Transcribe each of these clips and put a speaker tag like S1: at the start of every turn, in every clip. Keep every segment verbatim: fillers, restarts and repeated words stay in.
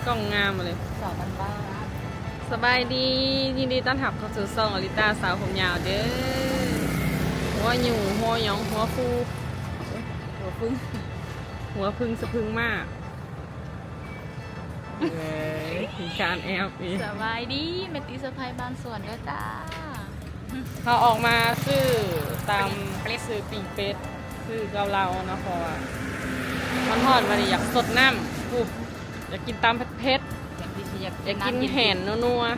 S1: กล้องงามมาเลย
S2: สาวบ้านบ้าน
S1: สบายดียินดีต้อนรับเข้าสู่ซองอลิตาสาวผมยาวเด้อหัวหยู่หัวหยองหัวฟูหัวพึ่งหัวพึ่งสะพึ่งมากเลยมีการแอบอีก
S2: สบายดีเมติสะพายบ้านสวนด้วยจ้า
S1: เขาออกมาซื้อตามซื้อปิ่งเป็ดซื้อเกาเหลาเนาะเพราะว่ามันทอดมาดิอยากสดน้ำปุ๊บอยากกินตามเผ็ด
S2: อย่างที่ฉันอยาก
S1: อยากกินแห่นนัว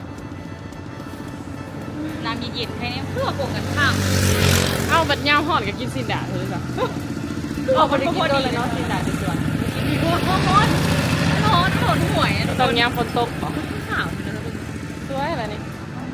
S2: น้ำเย็นๆแค่นี้เพื่อโกงกันข้าม
S1: ๆเอาบัดยาวหอดกับกินสินดาเลยจ้ะเอาไปกินโดนเลยเนาะสินดาที่สวน
S2: มีโคตรโคตรโคตรโคตรโคตรห่วย
S1: ตอนยามฝนตกเหรอ
S2: ข่าวนะ
S1: สวยอะไรนี่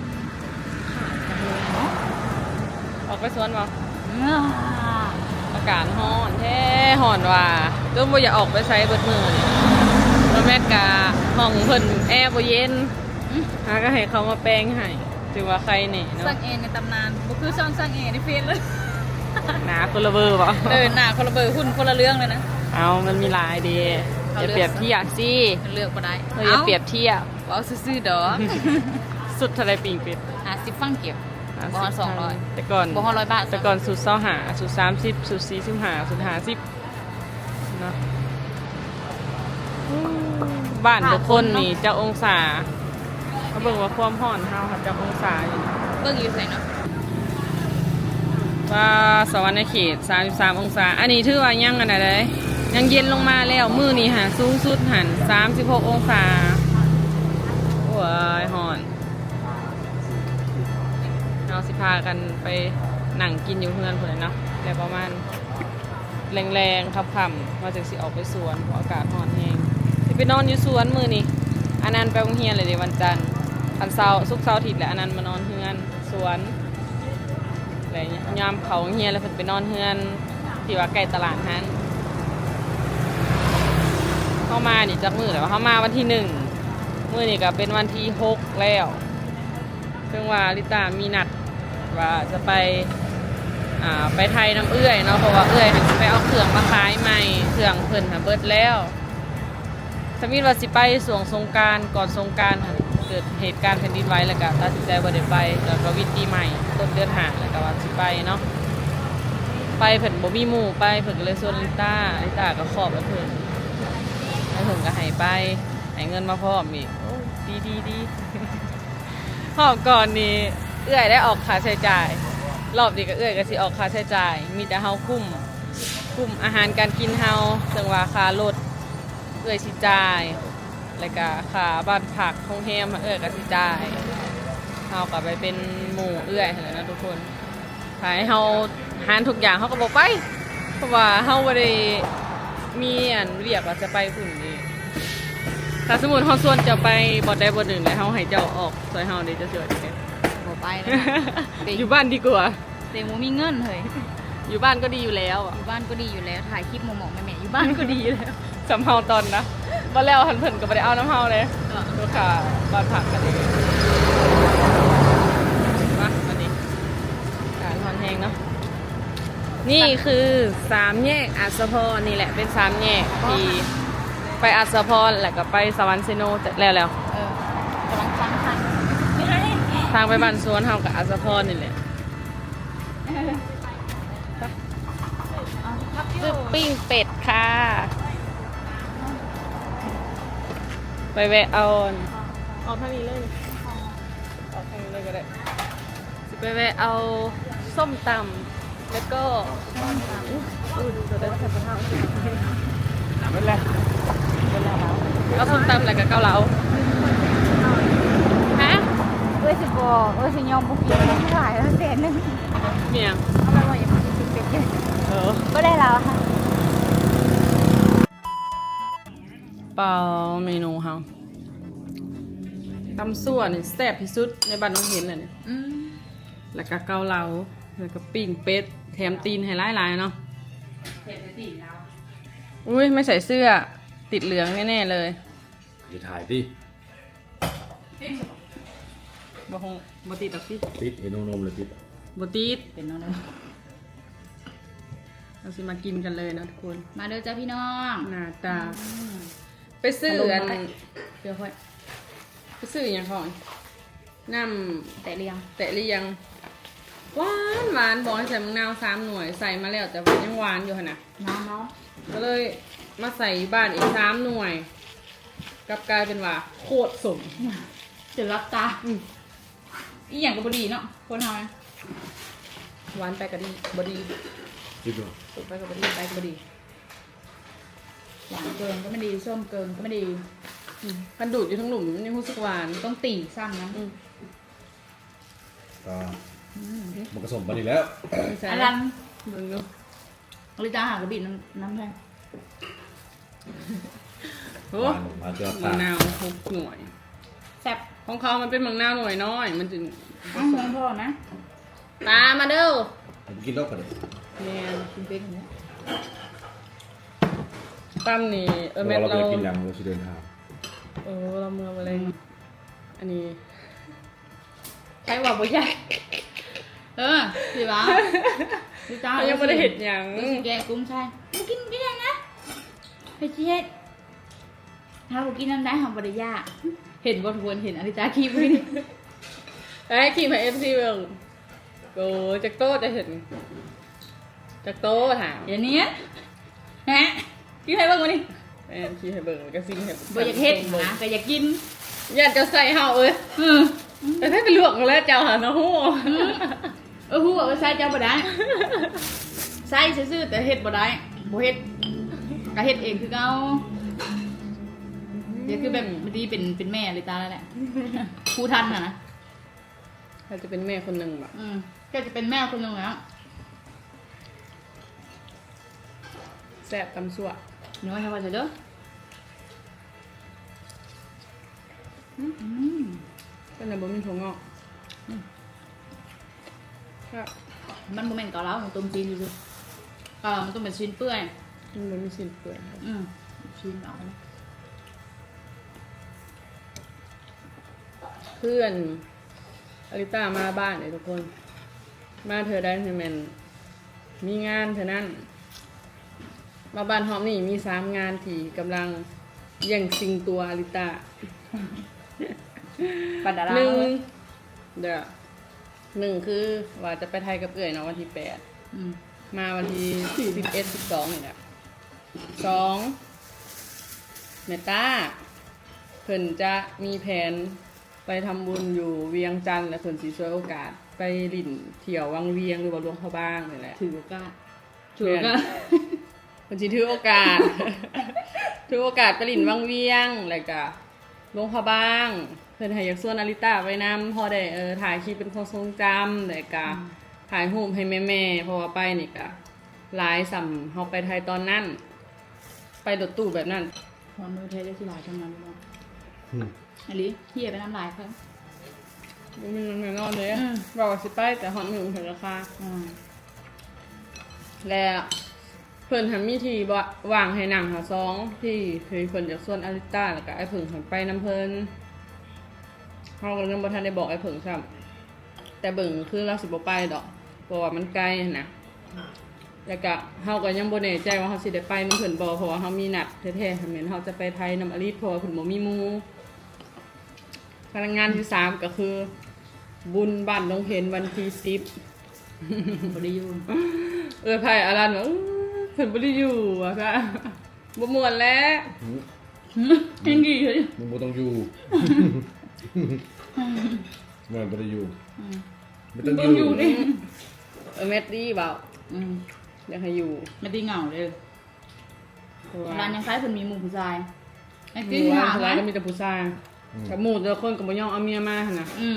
S1: ออกไปสวนบ่อากาศร้อนแท้ร้อนว่าก็บ่อยากออกไปใช้เบิดมือนี่แล้วแม่กะห้องเพิ่นแอร์บ่เย็นหาก็ให้เขามาแปลงให้ถือว่าใครนี่เนาะ
S2: สั่งเองในตำนานบุคือช่องสั่งเองในเฟซเลย
S1: หนาคนละเบอร์บ่
S2: เออหน้าคนละเบอร์หุ่นคนละเรื่องเลยนะ
S1: เอามันมีหลายดีอย่าเปรียบเทียบสิ
S2: เลือกมาได้
S1: เราอย่าเปรียบเทียบ
S2: ว้าวซื่อๆดอก
S1: สุดทะเลปิงเป็ด
S2: หาสิบฟังเก็บ บ่ฮอดสองร้อย
S1: แต่ก่อน
S2: บ่ฮอดร้อยบาท
S1: แต่ก่อนสุดเศร้าหาสุดสามสิบสุดสี่สิบห้าสุดห้าสิบเนาะบ้านทุกคนนี่เจ้าองศาเขาเบิ่งว่าความร้อนเฮาค่ะเจ้าองศาอยู่
S2: เบิ่งอยู่ใส่เนาะ
S1: ว่าสวรรค์เขตสามสิบสามองศาอันนี้ถือว่ายังอันไหนเลยยังเย็นลงมาแล้วมื้อนี้หาสูงสุดหันสามสิบหกองศาโอ้ยร้อนเราสิพากันไปหนังกินอยู่เพื่อนเพื่อนเนาะแต่ประมาณแรงๆค่ำๆมาจากสิออกไปสวนเพราะอากาศร้อนแห้งสิไปนอนอยู่สวนมือนี่อันนั้นไปโรงเรียนเลยเดี๋ยววันจันทร์อันเสาร์ศุกร์เสาร์อาทิตย์แหละอันนั้นมานอนเฮือนสวนอะไรเงี้ยยามเขาโรงเรียนแล้วเพิ่นไปนอนเฮือนที่ว่าใกล้ตลาดนั้นเข้ามานี่จากมือแต่ว่าเข้ามาวันที่หนึ่งมือนี่ก็เป็นวันที่หกแล้วซึ่งว่าลิตามีนัดว่าจะไปอ่าไปไทยน้ำเอื้อยเนาะเพราะว่าเอื้อยจะไปเอาเครื่องมาขายใหม่เครื่องเพิ่นหาเบิดแล้วสมิธว่าสิไปสวงสงกรานต์ก่อนสงกรานต์เกิดเหตุการณ์แผ่นดินไหวแล้วก็ตัดสินใจบ่ได้ไปแล้วก็วิธีใหม่ต้นเดือนหาแล้วก็ว่าสิไปเนาะไปเพิ่นบ่มีหมู่ไปเพิ่นก็เลยชวนลิตาลิตาก็ขอบแล้วเพิ่นแล้วเพิ่นก็ให้ไปให้เงินมาพร้อมอีกโอ้ดีดีดีหอบก่อนนี่เอื้อยได้ออกค่าใช้จ่ายรอบนี้ก็เอื้อยก็สิออกค่าใช้จ่ายมีแต่เฮาคุ้มคุ้มอาหารการกินเฮาซึ่งว่าค่ารถเอื้อยสิจ่ายแล้วก็ค่าบ้านพักโรงแรมเอื้อยก็สิจ่ายเฮาก็ไปเป็นหมู่เอื้อยนั่นแหละนะทุกคนถ้าให้เฮาหารทุกอย่างเฮาก็บ่ไปเพราะว่าเฮาบ่ได้มีอันเรียกว่าจะไปพุ่นนี่ถ้าสมมุติเฮาส่วนจะไปบ่ได้บ่หนึ่งแล้วเฮาให้เจ้าออกซอยเฮานี่จะช่วยได้
S2: บ่ไปเลย
S1: อยู่บ้านดีกว่า
S2: เต็มมีเงินเฮ้ย
S1: อยู่บ้านก็ดีอยู่แล้วอ่ะ
S2: อยู่บ้านก็ดีอยู่แล้วถ่ายคลิปหมองๆแม่ๆอยู่บ้านก็ดีอยู่แล้ว
S1: สำเฮาตอนนะบ่แล้วหันเพิ่นก็บ่ได้เอาน้ำเฮาเลยลูกค้าบ้านผักกันเองมาวันนี้การทอนแห้งเนาะนี่คือสามแยกอัศพรนี่แหละเป็นสามแยกที่ไปอัศพรแล้วก็ไปสวรรค์เซโนแล้วแล้ว
S2: เออกำลังฟังค่ะ
S1: ทางไปบ้านสวนเฮากับอัศพรนี่แหละซื้อปิ้งเป็ดค่ะไปแวะเอาเอาเท่านี้เลยเอาเท่านี้เลยก็ได้สิไปแวะเอาส้มตำแล้วก็อู้ดูจะได้ทำกระเพราเป็นไรเป็นไรเอาส้มตำแล้วก็เกาเหลาฮะ
S2: เอ้ยสิบอกเอ้ยสิยอมบุกกินไม่หลายแล้วเศษนึง
S1: เมียง
S2: เอาไปว่าอย่ามากินเป็ดเลย
S1: เออ
S2: ก็ได้แล้วค่ะ
S1: เปล่าเมนูเฮาตำซั่วนี่แซ่บที่สุดในบ้านน้องเห็นเลยเนี่ย
S2: อืม
S1: แล้วก็เกาเหลาแล้วก็ปิ้งเป็ดแถมตีนให้หลายๆเนาะอุ้ยไม่ใส่เสื้อติดเหลืองแน่ๆเลย
S3: จะถ่ายดิ
S1: บ่คงบ่ติดดอกสิ
S3: ติดเห็นนมเลยติด
S1: บ่ติด
S2: เป็นน้องเลย
S1: เราสิมากินกันเลยนะทุกคน
S2: มาเด้อจ้าพี่น้อง
S1: หน้าตาไปซื้ออันเดี๋ยวค่อยไปซื้ออย่างของน้ำ
S2: แต่เรียง
S1: แตะเรียงหวานหวานบอกให้ใส่มะนาวสามหน่วยใส่มาแล้วแต่ว่ายังหวานอยู่ขนาด
S2: น้ำเนาะ
S1: ก็เลยมาใส่บ้านอีกสามหน่วยกลับกลายเป็นว่าโคตรสม
S2: จะรับตา
S1: อืม
S2: อีหยังก็บ่ดีเนาะคนเฮานะ
S1: หวานไปก็ดีบดี
S3: คิดดู
S1: สุกไปก็บดีไปก็บดี
S2: หวานเกินก็ไม่ดีส้มเกินก็ไม่ดี
S1: อืมกันดูดอยู่ทั้งหลุมมันยังรู้สึกหวาน
S2: ต้องตีซ้ำนะ
S1: อืม
S3: ก็
S2: อืม
S3: มันผสมกันอีกแล้ว
S1: ไม่ใช่
S2: อันนั้น
S1: เบิ่งดู
S2: ลิตาหากระบี่น้ำน้ำแพง
S1: โอ้
S3: หวานมาเจอ
S1: มะ
S3: ตาน
S1: าวหกหน่วย
S2: แซ่บ
S1: ของเขามันเป็นมะนาวหน่วยน้อยมันจึง
S2: อ้าวเหมือนพ่อนะ
S1: ตามมาเด้อ
S3: ผมกินแล้วกันเลย
S1: แม่น
S2: กินเป็นอย่างนี้
S1: ตั้มนี่เออ
S3: เรา
S1: แม่
S3: เรา
S1: เรา
S3: ไปกินยังเราจะเดินทาง
S1: เออเราเมืองอะไรอันนี้
S2: ใครบอกบ่ใหญ่เออสิวะลิตา
S1: เขายังไม่ได้เห็นอย่าง
S2: ดูสิแกกุ้งใช่มากินกินยังนะไปเช็ดถ้าบ่กินน้ำได้หอมบริยากเห็นบ่ทวนเห็นอลิตาขี้ไปนี่
S1: ไอ้ขี่มาเอฟซีเมืองโอ้จากโต้จะเห็นจากโต้ถาม
S2: อย่างนี้ฮะกินให้เบิ่งมานี่
S1: แม่นขี่ให้เบิ่งก็ซิงให้
S2: บ่อยากเฮ็ดนะแต่อยากกิน
S1: อยากจะใส่เห่าเอ้ย
S2: เออ
S1: แต่ถ้าเป็นลวกแล้วเจ้าหาเนาะฮู้
S2: เออฮู้ว่าใส่เจ้าบ่ได้ใส่ซื่อๆแต่เฮ็ดบ่ได้บ่เฮ็ดก็เฮ็ดเองคือเก่าเดี๋ยวคือแบบมันดีเป็นเป็นแม่เลยตาแล้วแหละครูทันน่ะนะ
S1: ถ้าจะเป็นแม่คนหนึ่งแบบ
S2: อืมก็จะเป็นแม่คนหนึงแล้ว
S1: แซ่บตำสั่ว
S2: หนูว่าทำว่าจะเด้ออืม
S1: ก็ในบ่มีถั่วงอกครับ
S2: มันบ่แม่นเกาเหลาของต้มจีนอยู่ซื่อเกาเหลามันต้องเป็นชิ้นเปื่อย
S1: มันบ่มีสิ้นเปลือยครับ
S2: อืมชิ้นเอา
S1: เพื่อนอลิต้ามาบ้านเลยทุกคน มาเธอได้เธอแมนมีงานเธอนั่นมาบ้านหอมนี่มีสามงานที่กำลังแย่งชิงตัวอลิต้า
S2: ปันดารา
S1: หนึ่งเดี๋ยวหนึ่งคือว่าจะไปไทยกับเอื่อยเนาะวันที่แปด
S2: อืม
S1: มาวันที่สิบเอ็ดสิบสองนี่แหละสองเมตาเพิ่นจะมีแผนไปทำบุญอยู่เวียงจันทร์และเพิ่นสีช่วยโอกาส ไปลิ่นเที่ยววังเวียงหรือว่าหลวงพระบางนี่แหละ
S2: ถือโอกาส
S1: ถือโอกาส เพิ่นสิถือโอกาส ถือโอกาสไปลิ่นวังเวียงแล้วก็หลวงพระบางเพิ่นให้อยากส่วนอาริต้าไว้นำพอได้เออถ่ายคลิปเป็นความทรงจำแล้วก็ถ่ายรูปให้แม่ๆเพราะว่าไปนี่ก็หลายสำเฮาไปไทยตอนนั้น ไปรถตู้แบบนั้น
S2: ความมือเทได้ที่หลายทั้งนั้นเลย
S3: อืม
S2: อันนี้เฮียไปน้ำลายเขา
S1: บ่มีเงินแน่นอนเลย
S2: อืม
S1: บอกว่าสิไปแต่ฮอดมื้อถึงราคา
S2: อืม
S1: แล้วเพิ่นหันมีที่บ่วางให้นั่งหาซองที่เคยเพิ่นจากส่วนอาริต้าแล้วก็ไอ้เพิ่งหันไปนํเพิ่นเฮาก็ยังบ่ทันได้บอกไอ้เพิ่งซ้ำแต่เบิ่งคือเราสิบ่ไปดอกเพราะว่ามันไกลนะแล้วก็เฮาก็ยังบ่แน่ใจว่าเฮาสิได้ไปนำเพิ่นบ่เพราะว่าเฮามีนัดแท้ๆแม่นเฮาจะไปไทยนำอลิศเพราะว่าเพิ่นบ่มีหมู่พนักงานที่สามก็คือ บุญบ้านดงเพ็ญวันที่สิบ
S2: บริยู
S1: เออไผ่อารันว่าอื้อเพิ่นบ่ได้อยู่อ่ะค่ะบ่ม่วนแล้ว
S3: อืม
S2: ยังดีเลย
S3: มึงบ่ต้องอยู่มันบ่ได้อยู่
S2: อืม
S3: ไม่ต้อง
S2: ต้
S3: อ
S2: อง
S3: ยู่
S2: อยู่นี่
S1: เออแมตตี้เปล่า
S2: อืม
S1: อยากให้อยู่
S2: ไม่ตีเหงาเลย
S1: เพราะว่า
S2: ร้านยังคล้ายคนมีหมู่ผู้ชายไอ้
S1: อ
S2: กิน
S1: ยู่
S2: หา
S1: ว่า
S2: ไหม
S1: ร้านก็มีแต่ผู้ชายกับหมู่แต่ละคนก็บ่ยอมเอาเมียมาหั่นน่ะ
S2: อืม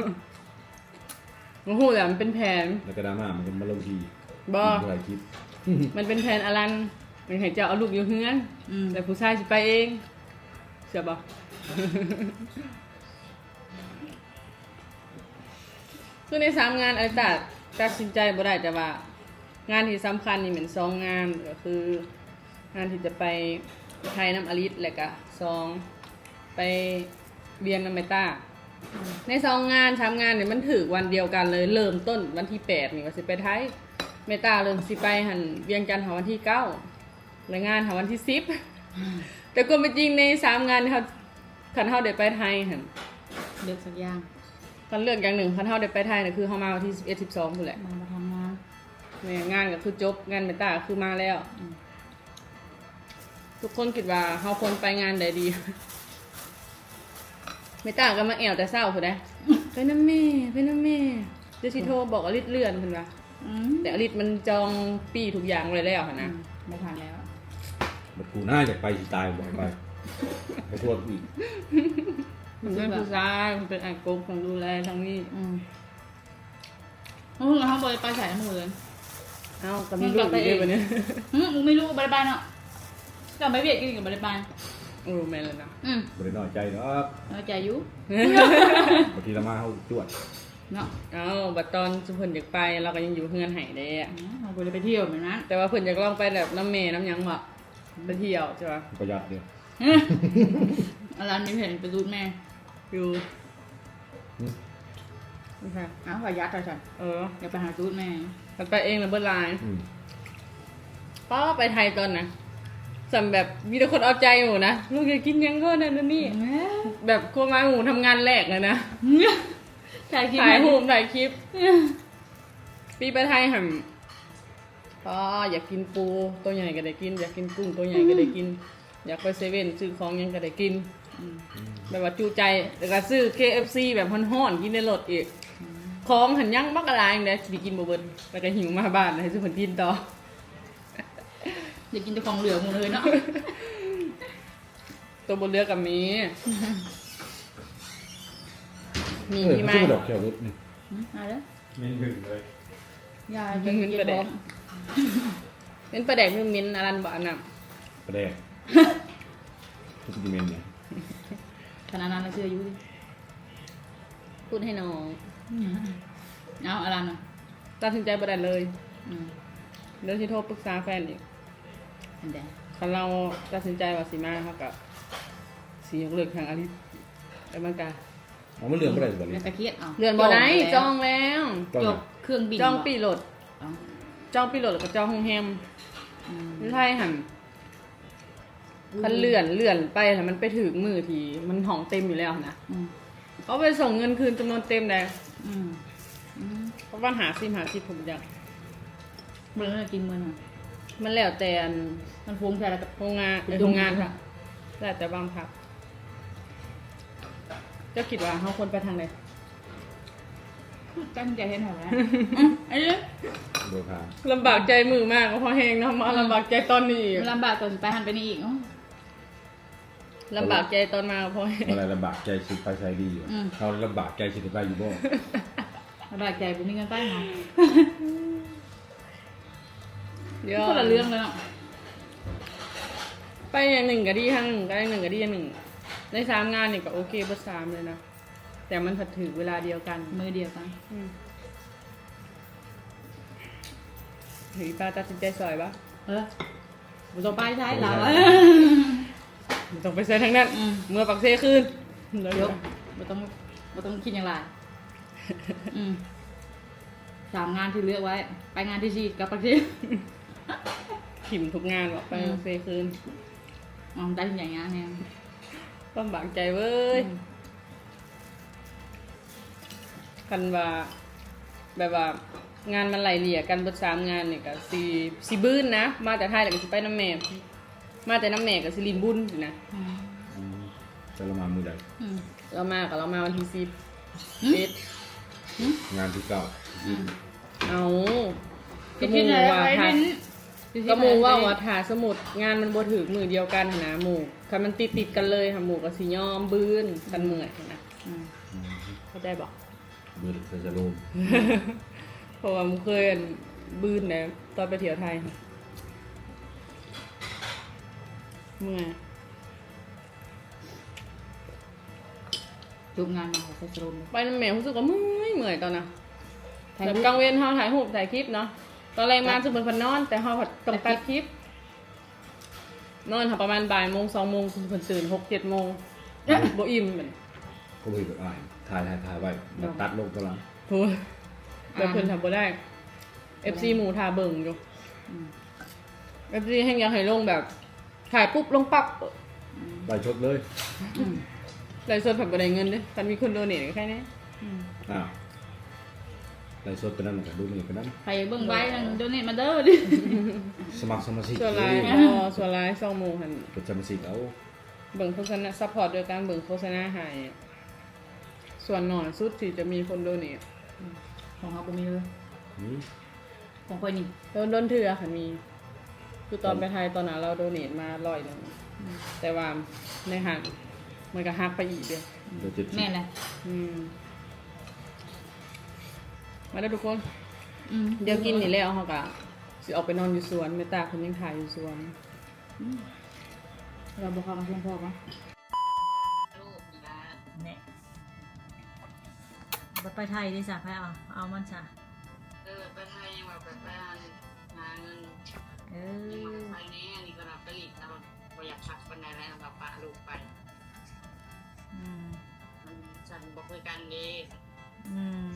S1: บ่ฮู้แหละมันเป็นแผน
S3: แล้วก็ดราม่ามันก็มาลงที
S1: บ่
S3: หลายคลิป
S1: มันเป็นแผนอารันมันให้เจ้าเอาลูกอยู่เฮือน
S2: อืม
S1: แต่ผู้ชายสิไปเองเชื่อบ่ คือในสามงานอาจารย์ตัดสินใจบ่ได้แต่ว่า งานที่สำคัญนี่เหมือนสองงานก็คือ งานที่จะไปไทยน้ำอลิสและก็สองไปเบียงน้ำเมต้าในสองงานสามงานเนี่ยมันถือวันเดียวกันเลยเริ่มต้นวันที่แปดนี่ว่าสิไปไทยเมต้าเริ่มสิไปหันเบียงจันทร์หาวันที่เก้าและงานหาวันที่สิบแต่ก็ไม่จริงในสามงานเขาคันเฮาได้ไปไทยหั่น
S2: เลือกสักอย่าง
S1: คันเลือกอย่างหนึ่งคันเฮาได้ไปไทยน่ะคือเฮามาวันที่สิบเอ็ด สิบสองพุ่นแหละ
S2: มามาทำงาน
S1: แม่งานก็คือจบงานเมตตาก็คือมาแล้ว
S2: อืม
S1: ทุกคนคิดว่าเฮาควรไปงานใดดี เมตตาก็มาแอวแต่เช้าพุ่นเด้ ไปนำแม่ไปนำแม่เดี๋ยวสิโทรบอกอลิศเลื่อนเพิ่นว่า
S2: อืม
S1: แต่อลิศมันจองปีทุกอย่างไว้แล้วหั่น
S2: อื
S1: นะ
S2: มไม่ทันแล้ว
S3: บัดกูน่าจะไปสิตายบ่ไปไปโทษอีก
S1: มันเป็นผู้ชายมันเป็นอากงของดูแลทางนี้
S2: อืมโอ้โหเขาบริไปใส่น้ำมือเลย
S1: เอ้าก็มีลูกอยู่ด้วยบัดนี้
S2: อืมมึงไม่รู้บริบาลเนาะกลับไปเวียดกินกับบริบาล
S1: โอ้แม่นแล้วนะ
S2: อืม
S3: บ่ได้น้อยใจเนาะ
S2: เราใจอยุ
S3: บางทีเรามาเฮาจวด
S2: เนาะ
S1: เอ้าบัดตอนสุเพิ่นอยากไปเราก็ยังอยู่เฮือนไห้เด้อะ
S2: เราบริไปเที่ยวเหมือนนั้น
S1: แต่ว่าเพิ่นอยากลองไปแบบน้ำเมน้ำหยังบ่ไปเที่ยวใช่ป่ะ
S3: ประหยัดเดียว
S2: อะไรนี่เห็นไปดูดแม่
S1: อยู่
S3: อืม
S1: นี่ค่ะ
S2: อ้าวขอยัดเลยฉัน
S1: เออ
S2: อย่าไปหาดูดแม่
S1: มันไปเองแล้วเบิดลาย
S3: อืม
S1: ป้าไปไทยตอนน่ะสำแบบมีแต่คนเอาใจหมูนะลูกอยากกินหยังก็นั่นนนนี่แบบโคมาหมูทำงานแรกเลยนะ
S2: ถ่ายคลิป
S1: ถ่ายรูปถ่ายคลิป ปีไปไทยห่ำป้าอยากกินปูตัวใหญ่ก็ได้กิน อยากกินกุ้งตัวใหญ่ก็ได้กิน อยากไปเซเว่นซื้อของหยังก็ได้กิน
S2: อืม
S1: แบบว่าจูใจแล้วก็ซื้อ เค เอฟ ซี แบบฮ้อนๆกินในรถอีกของหันยังบักอะไรอย่างเงี้ยสิกินบ่เบิดแล้วก็หิวมาบ้านให้ซื้อผลกินต่อ
S2: อยากกินแต่ของเหลือหมดเลยเนาะ
S1: ตัวบนเรือกับมี มี
S3: เออ
S1: ที่
S3: มัน
S1: ไม่
S3: คือดอกแก้วรถนี่
S2: อืมเอาเด้อ
S3: มีหนึ่งเลย
S2: ยาย
S1: มันเป็นประแดกเป็นประแดกคือมิ้นท์อรันบะน่ะ
S3: ประแดกทุกดิเมนเนี่ย
S2: ขนาดนั้นเราเชื่ออยู่ดิ
S1: พูดให้น้อง
S2: เอาอะไรเนาะ
S1: ตัดสินใจประแดกเลย
S2: อืม
S1: เดี๋ยวที่โทรปรึกษาแฟนอีก
S2: อันเดียว
S1: คันเราตัดสินใจว่าสีมาเขากับสียกเลิกทางอาริสแต่มันกา
S3: เอามันเรื่องบ่ได้สิบ่
S2: แล้
S3: นี่
S2: วตะเคียดเอา
S1: เรือนบ่ได้จองแล้ว
S3: ต้อง
S2: จบเครื่องบิน
S1: จองปีโหลด
S2: เอา
S1: จองปีโหลดแล้วก็จองโรงแรม
S2: อืม
S1: ไม่ใช่หันคันเลื่อนเลื่อนไปแต่มันไปถึงมือทีมันห้องเต็มอยู่แล้วนะ
S2: อืม
S1: เขาไปส่งเงินคืนจำนวนเต็มเลย
S2: อืมอืม
S1: เพราะว่าหาซิมหาซิมผมอยาก
S2: เมื่อเรากินมื้อน่ะ
S1: มันแล้วแต่อัน
S2: มันฟุ้งใส่แล้วกับ
S1: โรงงานเออโรงงานค่ะแล้วแต่บางพักเจ้าคิดว่าเขาควรไปทางไหน
S2: ตั้งใจให้หน่อยนะไอ้เรื่อง
S3: โดยพา
S1: ลำบากใจมือมากก็เพราะแหงเนาะมาลำบากใจตอนนี้อีก
S2: มันลำบากตอนไปหันไปนี่อีกอ๋อ
S1: ลำบากใจตอนมาก็เพราะแหง
S3: อะไรลำบากใจสิไปใส่ดีอยู่เขาลำบากใจสิไปอยู่บ่
S2: ลำบากใจผมมีเงินใต้หอ
S1: เดี๋ยว
S2: คนละเรื่องเลยเนาะ
S1: ไปอย่างหนึ่งก็ดีทางหนึ่งก็ได้หนึ่งก็ดีอย่างหนึ่งในสามงานนี่ก็โอเคเบอร์สามเลยนะแต่มันถัดถือเวลาเดียวกัน
S2: มือเดียวกัน
S1: อืมหรือป้าตัดสินใจซอยปะ
S2: เออผมต้องไปใช้เรา
S1: ไม่ต้องไปใส่ทั้งนั้น
S2: อืม
S1: เมื่อปักเซคืน
S2: ยกไม่ต้องไม่ต้องคิดอย่างไรอืมสามงานที่เลือกไว้ ไปงานที่สี่กับปักที่
S1: ขิมทุกงานบอกไป
S2: อืม
S1: ปักเซคืน
S2: อ๋อได้ที่อย่างงานเนี่ย
S1: ลำบากใจเว้ยคันว่าแบบว่างานมันไหลเลี่ยกันเบดสามงานเนี่ยก็สีสีบื้นนะ มาแต่ไทยแต่ก็สิไปน้ำแม่มาแต่น้ำแม่กับสิลินบุญสินะ
S2: อืม
S3: อืมจะละมามือใด
S2: อืม
S1: เรามากับเรามาวันที่สิบ
S2: อืม
S1: เอ็ด
S3: งานที่เก้า
S2: อืม
S1: เอาก
S2: คิ
S1: ระ
S2: ด
S1: มู
S2: ที่ไหน
S1: ว่า
S2: ไป
S1: ถ้า
S2: เน้น
S1: กระมูว่าว่าถ้าสมุดงานมันบ่ถือมือเดียวกันหั้นนะหมู่คันมันติดติดๆกันเลยค่ะหมู่กับสิยอมบื้นกันเมื่อยหั้นนะ
S2: อืม
S3: อืม
S1: เข้าใจบอก
S3: มือเซซาโลม
S1: เพราะว่ามันเคยอันบื้นนะตอนไปเที่ยวไทยค่ะเมื่อย
S2: จบงานมาใส่สโลมเลย
S1: ไปน้ำแม่รู้สึกว่าเมื่อยเมื่อยตอนน่ะ
S2: ถ่าย
S1: แบบ
S2: รูป
S1: กลางเว้นเฮาถ่ายรูปถ่ายคลิปเนาะตอนแรกมาจะเป็นคนนอน แต่เฮาผัดต้องตัดคลิป นอนค่ะประมาณบ่ายโมงสองโมงคุณคนตื่นหกเจ็ดโมงบ่อิ่มเหมือน
S3: ก็มีแบบอ่านถ่ายถ่ายถ่ายไว้มาตัดลงกำลัง
S1: พูดแบบเพิ่นทำบ่ได้ เอฟ ซี หมูทาเบิ่งอยู่
S2: อืม
S1: เอฟ ซี ให้ยังให้ลงแบบถ่ายปุ๊บลงปั๊บ
S3: ไปชดเลย
S2: อืม
S1: ไลฟ์สดผัดบ่ได้เงินเด้อคันมีคนโดเนทก็แค่นี้
S2: อืม
S3: อ้าวไลฟ์สดไปนั่นก็ดูนี่ไปนั่น
S2: ไปเบิ่งไว้นั่นโดเนทมาเด้อดิ
S3: สมัครสมาชิก
S1: ส่วนไลน์
S3: เ
S1: อ๋อส่วนไลน์สองหมู่หัน
S3: กดสมาชิกเอา
S1: เบิ่งโฆษณาซัพพอร์ตโดยการเบิ่งโฆษณาให้ส่วนหน่อยสุดที่จะมีคนโดเนท
S2: ของเขาบ่มีเลย
S3: นี่
S2: ของคนนี่
S1: โดนโดนเถื่อค่ะมี คือตอนไปไทยตอนนั้นเราโดเนทมาร้อยหนึงแต่ว่าในหักมันก็หักไปอีกเด้อ
S3: เดี๋ยวจะ
S2: แม่นเลย
S1: อืมมาแล้วทุกคน
S2: อืม
S1: เดี๋ยวกินนี่แล้วเขาก็สิออกไปนอนอยู่สวนแม่ตาคนยังถ่ายอยู่สวน
S2: เราบอกความเพียงพอปะเนี่ยบัดไปไทยดิจ้ะไปเอาเอามันจ้ะ
S4: เออไปไทยยังแบบไปหาหาเงิน
S2: เอ
S4: ยัง
S2: อ
S4: มาไปนี้อันนี้ก็รับไปหลีกแต่ว่าบ่อยากขับคนใดแล้วแบบปะลูกไป
S2: อืม
S4: มันฉันบอกคุยกันดี
S2: อืม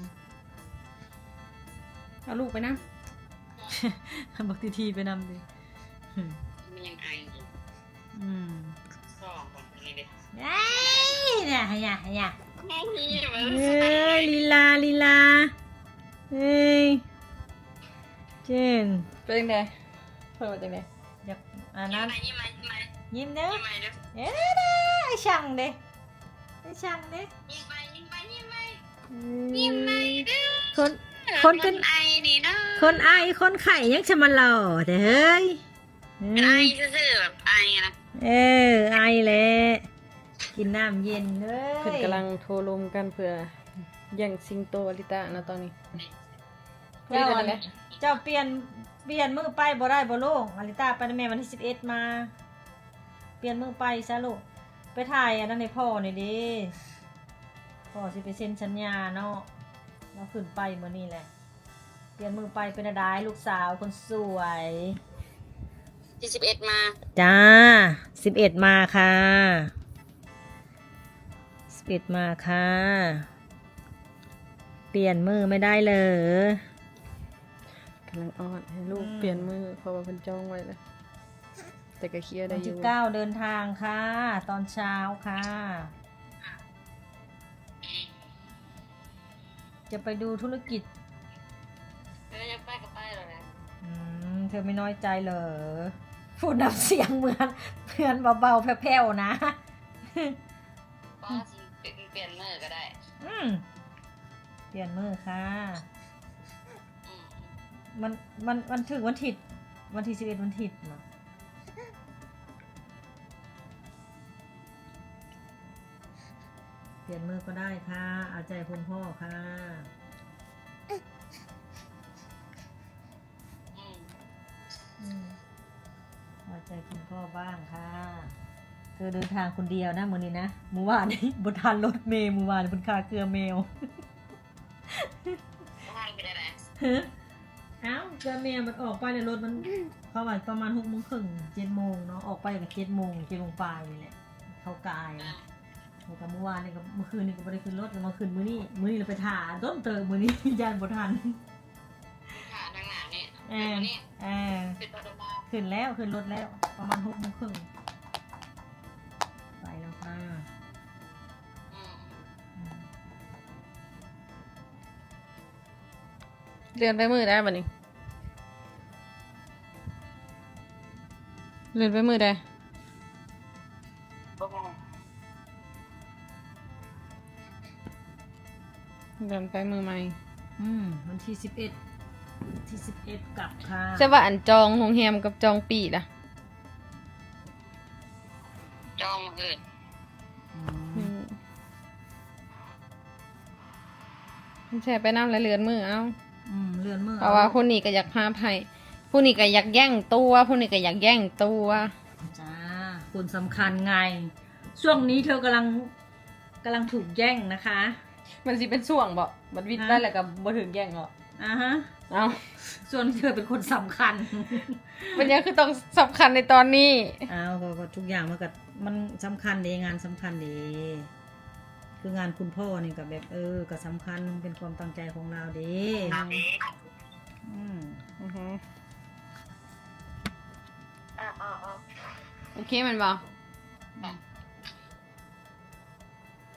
S1: เอาลูกไปนะ
S2: บอกทีทีไปนำดิ
S4: มันยังไออยู่
S2: อืม
S4: สองคนนี้เลย
S2: เอ้ยเนี่ยฮะเนี่ยฮะเนี่ย
S4: แม่นี่มั
S2: เอ้ยลีลาลีลาเอ้ยเจน
S1: เป็นยังไงเพิ่มมาจังไง
S2: อยากอันนั้น
S4: ยิ้มไหมยิ้มไหม
S2: ยิ้มเด้อ
S4: ยิ้มไหมเด้อ
S2: เอ้ยเด้อไอ้ช่างเด้ไอ้ช่างเด้
S4: ยิ้มไหมยิ้มไหมยิ้มไหม
S2: อื
S4: ยิ้มไหมเด้อ
S2: คนคนเป็น
S4: ไอดีเด้อ
S2: คนไอคนไข่ยังจะมาหล่อแต่เฮ้ย
S4: ไอซื่อๆแบบไอนะ
S2: เออไอแหละกินน้ำเย็นเด้ย
S1: เพิ่นกำลังโทรลมกันเพื่อแย่งซิงโตอลิตานะตอนนี้
S2: เจ้า
S1: เป็นยังไง
S2: เจ้าเปลี่ยนเปลี่ยนมือไปบ่ได้บ่ลูกอลิตาไปนะแม่วันที่สิบเอ็ดมา เปลี่ยนมือไปซะลูกไปถ่ายอันนั้นในพ่อนี่ดิพ่อสิไปเซ็นสัญญาเนาะเราขึ้นไปเมื่อนี้แหละ เปลี่ยนมือไปเป็นอะไรลูกสาวคนสวย
S4: ที่สิบเอ็ดมา
S2: จ้าสิบเอ็ดมาค่ะสิบเอ็ดมาค่ะ เปลี่ยนมือไม่ได้เลย
S1: กำลังอ้อนให้ลูก
S2: อืม
S1: เปลี่ยนมือเพราะว่าเพิ่นจองไว้แล้วแต่ก็เคลียร์ได้
S2: วัน
S1: อ
S2: ที่
S1: ยู่
S2: เก้าเดินทางค่ะ ตอนเช้าค่ะ จะไปดูธุรกิจ
S4: เออยังไปกับไปเลยนะ
S2: อืมเธอไม่น้อยใจเหรอพูดน้ำเสียงเหมือนเพื่อนเบาๆแผ่วๆนะ
S4: ก็เปลี่ยนมือก็ได้
S2: อืมเปลี่ยนมือค่ะ
S4: อืม
S2: มันมันมันถึงวันถิดวันที่สิบเอ็ดวันถิดเนาะเปลี่ยนมือก็ได้ค่ะเอาใจคุณพ่อค่ะ
S4: อืม
S2: อืมเอาใจคุณพ่อบ้างค่ะเธอเดินทางคนเดียวนะมือนี้นะเมื่อวานนี้บนทานรถเมย์เมื่อวานบนคาเกลือเมล
S4: ทางไปได้ไหน
S2: ฮะเอ้าเกลือเมลมันออกไปในรถมันเข้าไปประมาณหกโมงครึ่งเจ็ดโมงเนาะออกไปกับเจ็ดโมงเจ็ดโมงปลายนี่แหละเข้ากายนะแต่เมื่อวานนี่กับเมื่อคืนนี่ก็ไม่ได้ขึ้นรถแต่เมื่อคืนมื้อนี้มื้อนี้เราไปถ่าต้นเติมมื้อนี้ ยานบทัน
S4: ขาทางหน้านี่
S2: เออ
S4: นี่
S2: เออ
S4: เป็นตัวมา
S2: ขึ้นแล้วขึ้นรถแล้ว ประมาณหกโมงครึ่งไปแล้วค่ะ
S4: อืม
S2: อืม
S1: เลื่อนไปมือได้บัดนี้เลื่อนไปมือได้
S4: บ่มอง
S1: เลื่อนไปมือใหม่
S2: อืมวันที่สิบเอ็ดที่สิบเอ็ดกลับค่ะ
S1: ใช่ว่าอันจองโรงแรมกับจองปีล่ะ
S4: จองอื่น
S2: อืม
S1: อืมมันแช่ไปน้ำและเลือนมือเอา
S2: อืมเลื่อนมือ
S1: เพราะว่าคนนี้ก็อยากพาไผ่ผู้นี้ก็อยากแย่งตัวผู้นี้ก็อยากแย่งตัว
S2: จ้าคนสำคัญไง ช่วงนี้เธอกำลังกำลังถูกแย่งนะคะ
S1: มันสิเป็นช่วงบ่บัดวิทย์ได้แล้วก็บ่ถึงแย่งหรอก
S2: อ่าฮะ
S1: เอา
S2: ส่วนเธอเป็นคนสำคัญ
S1: มันยังคือต้องสำคัญในตอนนี้
S2: อ้าวก็ก็ทุกอย่างมันก็มันสำคัญดีงานสำคัญดีคืองานคุณพ่อนี่ก็แบบเออก็สำคัญเป็นความตั้งใจของเราดีอืม
S1: อือฮึ
S4: อ่าอ่าอ่า
S1: โอเคมันบ่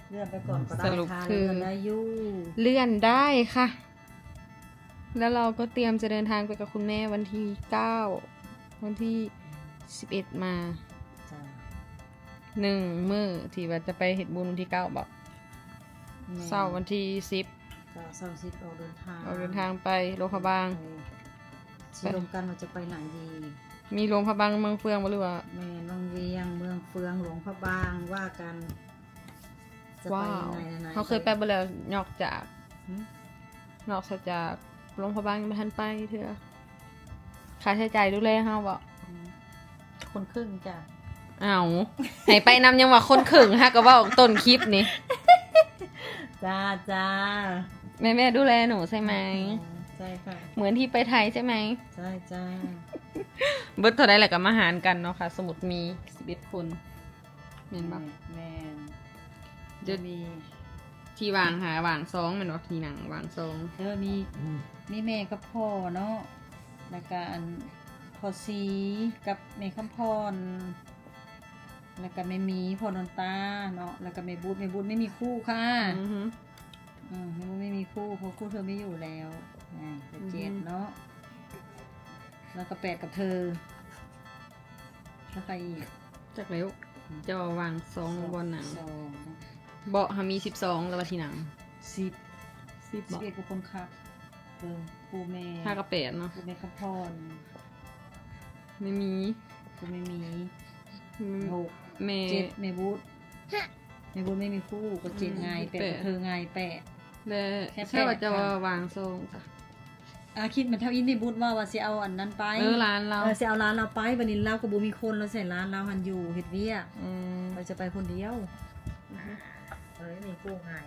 S2: เลื่อนไปก่อนก็ได้
S1: สรุป
S2: ค่ะ
S1: คือ
S2: เลื่อนได้อยู่
S1: เลื่อนได้ค่ะ แล้วเราก็เตรียมจะเดินทางไปกับคุณแม่วันที่เก้าวันที่สิบเอ็ดมา
S2: จ้ะ
S1: หนึ่งมื้อที่ว่าจะไปเฮ็ดบุญวันที่เก้าบอก
S2: แม่
S1: เช้าวันที่สิบ
S2: จ้ะเสาร์อาทิตย์ออกเดินทาง
S1: ออกเดินทางไปโรงพยาบาล
S2: ไปรวมกันว่าจะไปไหนดี
S1: มีโรงพยาบาลเมืองเฟืองบ่หรือว่า
S2: แม่น้องเวียงเมืองเฟืองหลวงพระบางว่ากัน จะไป
S1: ว้าว
S2: ไหนไหน
S1: เขาเคยไปบ่แล้วนอกจาก
S2: หืม
S1: นอกจากโรงพยาบาลยังบ่ทันไปเถอะค่าใช้จ่ายดูแลเฮาบ่
S2: คนครึ่งจ้ะ
S1: อ้าวให้ไปนำยังว่าคนขึงฮะก็เว้าต้นคลิปนี่
S2: จ้าจ้า
S1: แม่แม่ดูแลหนูใช่ไหม
S2: ใช่ค่ะ
S1: เหมือนที่ไปไทยใช่ไหม
S2: ใช่จ้า
S1: เบิดเท่าไรแหละกับมาหารกันเนาะค่ะ สมุดมีสิบเอ็ดคนเห็นปะ
S2: แม่น
S1: เดี๋ยว
S2: มี
S1: ที่วางหาวางซองแมันว่าที่หนังวางซอง
S2: เออมีมีแม่กับพ่อเนาะแล้วก็อันพ่อซีกับแม่คำพรแล้วก็แม่หมีพ่อนนตาเนาะแล้วก็แม่บูดแม่บูดไม่มีคู่ค่ะ
S1: อือฮึ
S2: อืมแม่บูดไม่มีคู่เพราะคู่เธอไม่อยู่แล้วอ่าเป็นเจ็ด
S1: อือฮึ
S2: เนาะแล้วก็แปดกับเธอแล้วใครอีก
S1: จากแล้วจะวางซองบนหนัง
S2: สอง
S1: เบาะหามีสิบสองแล้วว่าที่หนัง
S2: สิบ
S1: สิบ
S2: สิบ
S1: เบาะ
S2: เอ็ดกับคนขับเออครูแม่
S1: ห้ากับแปดเนาะ
S2: ครูแม่คำพร
S1: ไม่มี
S2: ครูแม่หมี
S1: อืม
S2: หก
S1: แม่
S2: เจ็ดแม่บูธแม่บูธไม่มีคู่ก็เจ็ดไงแปด
S1: แปด
S2: กับเธอไงแปด
S1: และ
S2: แค่แปด
S1: ใช่ว่าจะ
S2: ค่ะ
S1: วางซองจ้ะ
S2: อาคิดเหมันเท่าอินนี่บูธว่าว่าสิเอาอันนั้นไป
S1: เออร้านเรา
S2: เออสิเอาร้านเราไปบัดนี้เราก็บ่มีคนเราใส่ร้านเราหันอยู่เฮ็ดเวียก
S1: อืม
S2: เราจะไปคนเดียวเออไม่มีคู่ไง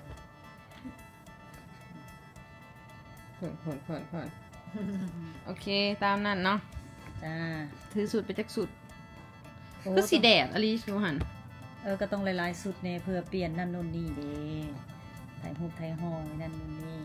S1: ผ่อนผ่อนผ่อนผ่อนโอเคตามนั้นเนาะ
S2: จ้า
S1: ถือสุดไปจักสุด
S2: โอ้
S1: ก็สีแดดอลิชูหัน
S2: เออก็ต้องหลายๆสุดแน่เพื่อเปลี่ยนนั่นนู่นนี่เด้ถ่ายรูปถ่ายห้องนั่นนู่นนี่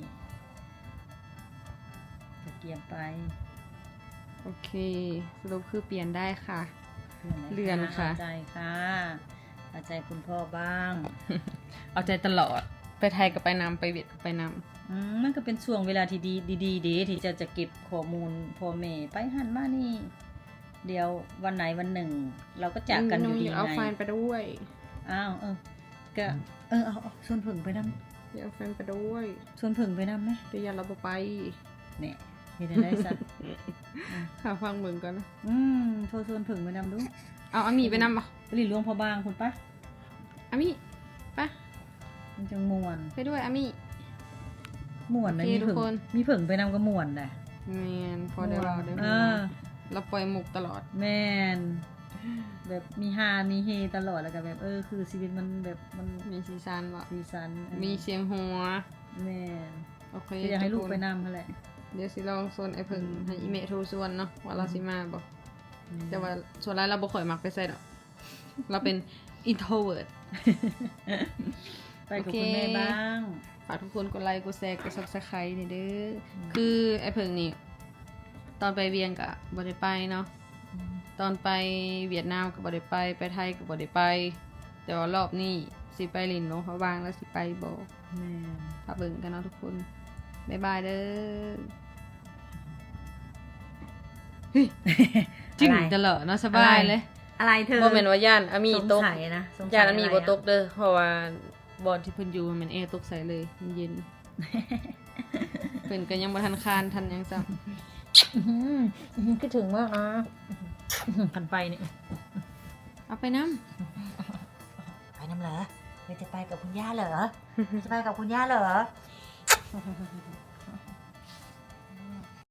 S2: ก็เกียมไป
S1: โอเคสรุปคือเปลี่ยนได้ค่ะ
S2: เลื่
S1: เลื่อนค่ะ
S2: เอาใจค่ะเอาใจคุณพ่อบ้าง
S1: เอาใจตลอด ไปไทยก็ไปนำไปเวียดก็ไปน
S2: อืมมันก็เป็นช่วงเวลาที่ดีดีๆเด้ที่จะจะเก็บข้อมูลพ่อแม่ไปหันมานี่ เดี๋ยววันไหนวันหนึ่ง เราก็
S1: ำ
S2: จากกันอยู่ดี
S1: เดี๋วเอา
S2: ไง
S1: แฟนไปด้วย
S2: อ้าวเออก็เออเอาเอาชวนผึ่งไปนำ
S1: เดี๋ยวเอาแฟนไปด้วย
S2: ชวนผึ่งไปนำไหม
S1: เดี๋ยวยันเราบ่ไป
S2: เนี่ยเห็นได้สัก
S1: ข่าวฟังเบิ่งก่อนนะ
S2: อืมโทรชวนผึ่งไปนำดู
S1: เอาอามีไปนำปะ
S2: ไปหลีหลวงพ่อบางคุณปะ
S1: อามีปะ
S2: มันจังมวน
S1: ไปด้วยอามี
S2: ม่วนนะ
S1: โอเค
S2: มี
S1: ทุ
S2: ผึ่
S1: ก
S2: ง
S1: คน
S2: มีผึ่งไปนำก็ม่วนแหละ
S1: แมนพอได้เราได้
S2: เอ
S1: หัว
S2: อ
S1: เราปล่อยมุกตลอด
S2: แม่นแบบมีฮามีเฮตลอดแล้วก็แบบเออคือชีวิตมันแบบมัน
S1: มีซีซันวะ
S2: สีสันเออ
S1: มีเสียงหัว
S2: แม่น
S1: โอเค
S2: คืออยากให้ลูก
S1: ทุคน
S2: ไปนำเขาแหละ
S1: เดี๋ยวสิลองโซนไอ้เพิ่งให้อีเมทโทรส่วนเนาะว่าเราสิมาบอก แต่ว่าส่วนไรเราบ่ค่อยมักไปใส่ดอก เราเป็น introvert
S2: ไปกับคุณแม่บ้าง
S1: ฝากทุกคนกดไลค์กดแชร์กด subscribe นี่เด้ออคือไอ้เพิ่งนี่ ตอนไปเวียงกะบ่ได้ไปเนาะ ตอนไปเวียดนามก็บ่ได้ไป ไปไทยก็บ่ได้ไป แต่ว่ารอบนี้สิไปลินหลวงพระบางแล้วสิไปบ่
S2: แม่น
S1: ถ้าเบิ่งกันเนาะทุกคน บ๊ายบายเด้อเฮ้ยจริงตลอดเนาะสบายเลย
S2: อะไรเธอ
S1: บ่แม่นว่าย่านอามี
S2: สง
S1: ตก
S2: สัยนะสงสั
S1: ย่านอามี
S2: ะไร
S1: บ่
S2: อะ
S1: ตกเด้อเพราะว่าบอนที่เพิ่นอยู่มันแอร์ตกใส่เลยมันเย็น เพิ่นก็ยังบ่ทันคานทันหยังซ้ำ
S2: อื้อหืออื้อหือคิดถึงมากนะพันไปเนี่ย
S1: เอาไปน้
S2: ไปน้ำเหรอเธอจะไปกับคุณย่าเหรอ จะไปกับคุณย่าเหรอ